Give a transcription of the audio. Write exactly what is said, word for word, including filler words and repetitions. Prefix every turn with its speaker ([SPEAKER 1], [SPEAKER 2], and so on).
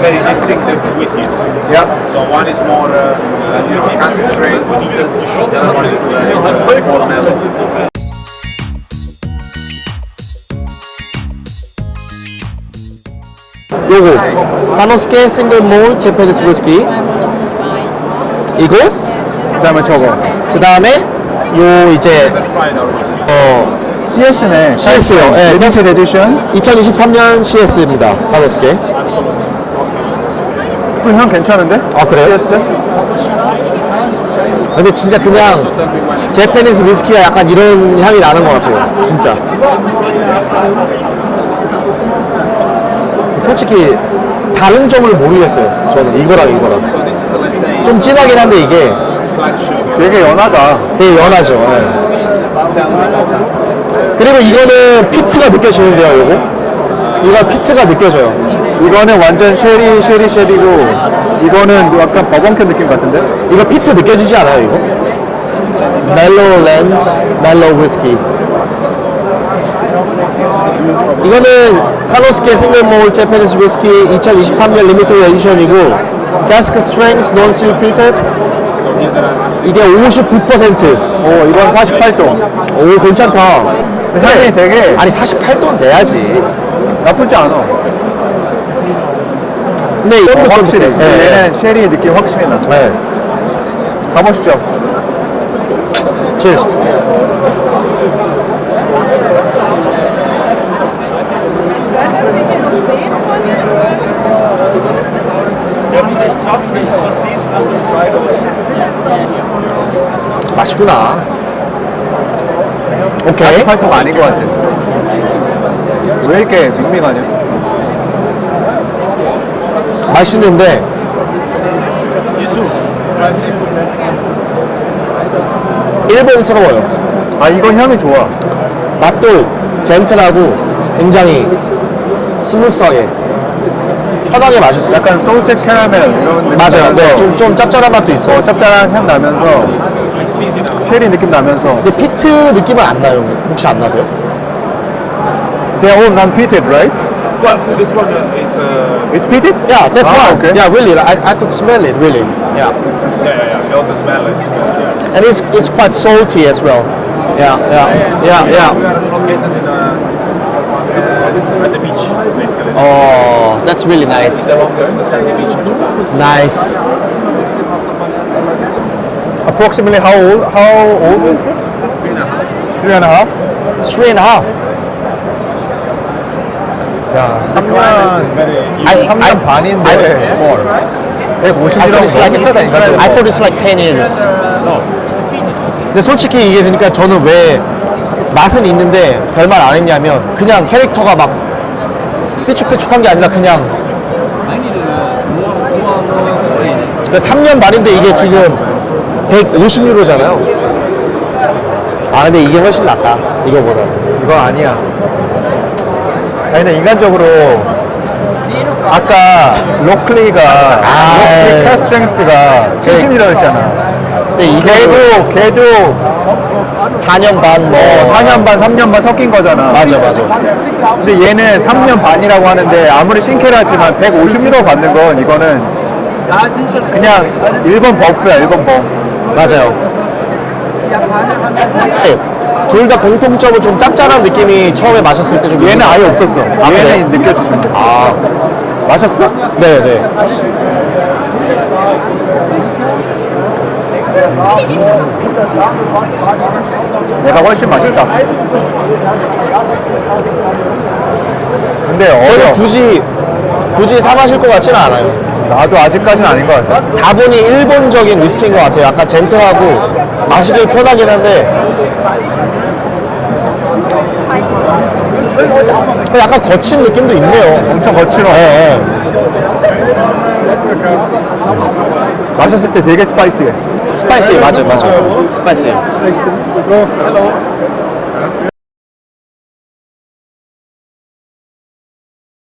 [SPEAKER 1] very distinctive whiskies.
[SPEAKER 2] Yeah.
[SPEAKER 1] So one is more uh, uh, concentrated, the other one is, uh, is uh, more mellow.
[SPEAKER 3] 요거 카노스케 싱글 몰 재패니스 위스키 이거
[SPEAKER 2] 그 다음에 저거.
[SPEAKER 3] 그 다음에 요 이제 어
[SPEAKER 2] 씨에스네.
[SPEAKER 3] 씨에스요. 예,
[SPEAKER 2] 리미티드 에디션.
[SPEAKER 3] 이천이십삼 년 씨에스입니다. 카노스케.
[SPEAKER 2] 그 향 괜찮은데?
[SPEAKER 3] 아, 그래요?
[SPEAKER 2] 씨에스?
[SPEAKER 3] 근데 진짜 그냥 재패니스 위스키가 약간 이런 향이 나는 것 같아요. 진짜. 솔직히 다른 점을 모르겠어요. 저는 이거랑 이거랑.
[SPEAKER 1] So this is, uh, let's say,
[SPEAKER 3] 좀 진하긴 한데 이게
[SPEAKER 1] flagship.
[SPEAKER 2] 되게 연하다.
[SPEAKER 3] 되게 연하죠. 예. 그리고 이거는 피트가 느껴지는데요, 요거? 이거 피트가 느껴져요.
[SPEAKER 2] 이거는 완전 쉐리, 쉐리, 쉐리고, 이거는 약간 버번캔 느낌 같은데?
[SPEAKER 3] 이거 피트 느껴지지 않아요, 이거? 멜로우 렌즈, 멜로우 위스키. 이거는 카노스케 싱글몰 재패니스 위스키 이천이십삼 년 리미티드 에디션이고 캐스크 스트렝스 논 실피터드 이게 오십구 퍼센트.
[SPEAKER 2] 오, 이건 사십팔 도.
[SPEAKER 3] 오, 괜찮다.
[SPEAKER 2] 향이 되게
[SPEAKER 3] 아니 사십팔 도는 돼야지.
[SPEAKER 2] 나쁘지 않아.
[SPEAKER 3] 근데 이건
[SPEAKER 2] 어,
[SPEAKER 3] 좀
[SPEAKER 2] 확실해.
[SPEAKER 3] 예, 예.
[SPEAKER 2] 얘는 쉐리의 느낌 확실히 나.
[SPEAKER 3] 네.
[SPEAKER 2] 가보시죠.
[SPEAKER 3] Cheers. 맛있구나. 오케이.
[SPEAKER 2] 사십팔 도가 아닌 것 같아. 왜 이렇게 밍밍하냐?
[SPEAKER 3] 맛있는데
[SPEAKER 1] You too. Try seafood.
[SPEAKER 3] 일본스러워요.
[SPEAKER 2] 아, 이건 향이 좋아.
[SPEAKER 3] 맛도 젠틀하고 굉장히 스무스하게 편하게 마실 수 있어요.
[SPEAKER 2] 약간 소울ted 캐러멜 이런 느낌.
[SPEAKER 3] 맞아요.
[SPEAKER 2] 나면서
[SPEAKER 3] 네, 좀, 좀 짭짤한 맛도 있어요.
[SPEAKER 2] 어, 짭짤한 향 나면서
[SPEAKER 1] It's busy now.
[SPEAKER 2] 쉐리 느낌 나면서.
[SPEAKER 3] 근데 피트 느낌은 안 나요. 혹시 안 나세요?
[SPEAKER 2] They're all non-peated, right?
[SPEAKER 1] Well, this one uh, is, uh,
[SPEAKER 2] It's peated?
[SPEAKER 3] Yeah, that's
[SPEAKER 2] Ah,
[SPEAKER 3] why.
[SPEAKER 2] okay.
[SPEAKER 3] Yeah, really. I, I could smell it, really. Yeah.
[SPEAKER 1] yeah, yeah, yeah. All the smell is, uh,
[SPEAKER 3] And it's, it's quite salty as well. Yeah, yeah, yeah,
[SPEAKER 1] We
[SPEAKER 3] yeah.
[SPEAKER 1] are located in a, uh, at the beach, basically.
[SPEAKER 3] Oh, that's really nice.
[SPEAKER 1] The longest sandy beach in Japan.
[SPEAKER 3] Nice.
[SPEAKER 2] Approximately how old? How old is this?
[SPEAKER 1] Three and a half.
[SPEAKER 2] Three and a half.
[SPEAKER 3] Three and a half.
[SPEAKER 2] 야,
[SPEAKER 1] The climate is very
[SPEAKER 3] I,
[SPEAKER 1] unique.
[SPEAKER 2] 삼 년 반인데
[SPEAKER 3] I-
[SPEAKER 2] more.
[SPEAKER 3] I
[SPEAKER 2] 백오십이라고
[SPEAKER 3] thought it's like
[SPEAKER 2] 너무 비싸다, 인간적으로.
[SPEAKER 3] I thought it's like ten years. 근데 솔직히 이게 그러니까 저는 왜 맛은 있는데 별말 안 했냐면 그냥 캐릭터가 막 삐죽삐죽한 게 아니라 그냥 그러니까 삼 년 반인데 이게 지금 백오십 유로잖아요. 아 근데 이게 훨씬 낫다 이거보다.
[SPEAKER 2] 이거 아니야. 아니, 근데 인간적으로 아까 로클리가
[SPEAKER 3] 아,
[SPEAKER 2] 로클리 캐스트렝스가 칠십이라고 했잖아.
[SPEAKER 3] 근데 이게
[SPEAKER 2] 걔도 걔도
[SPEAKER 3] 사 년 반 뭐
[SPEAKER 2] 어, 사 년 반, 삼 년 반 섞인 거잖아.
[SPEAKER 3] 맞아 맞아.
[SPEAKER 2] 근데 얘는 삼 년 반이라고 하는데 아무리 신캐라지만 백오십 유로 받는 건 이거는 그냥 일본 버프야, 일본 버프.
[SPEAKER 3] 맞아요. 둘 다 공통점은 좀 짭짤한 느낌이 처음에 마셨을 때 좀
[SPEAKER 2] 얘는 아예 없었어.
[SPEAKER 3] 아, 그래?
[SPEAKER 2] 얘는 느껴지시면 돼.
[SPEAKER 3] 아
[SPEAKER 2] 마셨어?
[SPEAKER 3] 네네.
[SPEAKER 2] 얘가 훨씬 맛있다. 근데
[SPEAKER 3] 저는
[SPEAKER 2] 어려.
[SPEAKER 3] 굳이 굳이 사 마실 것 같지는 않아요.
[SPEAKER 2] 나도 아직까지는 아닌 것 같아.
[SPEAKER 3] 다분히 일본적인 위스키인 것 같아요. 약간 젠틀하고 마시기 편하긴 한데 약간 거친 느낌도 있네요.
[SPEAKER 2] 엄청 거칠어.
[SPEAKER 3] 네, 네.
[SPEAKER 2] 마셨을 때 되게 스파이시해.
[SPEAKER 3] 스파이시 맞아요, 맞아요. 스파이시.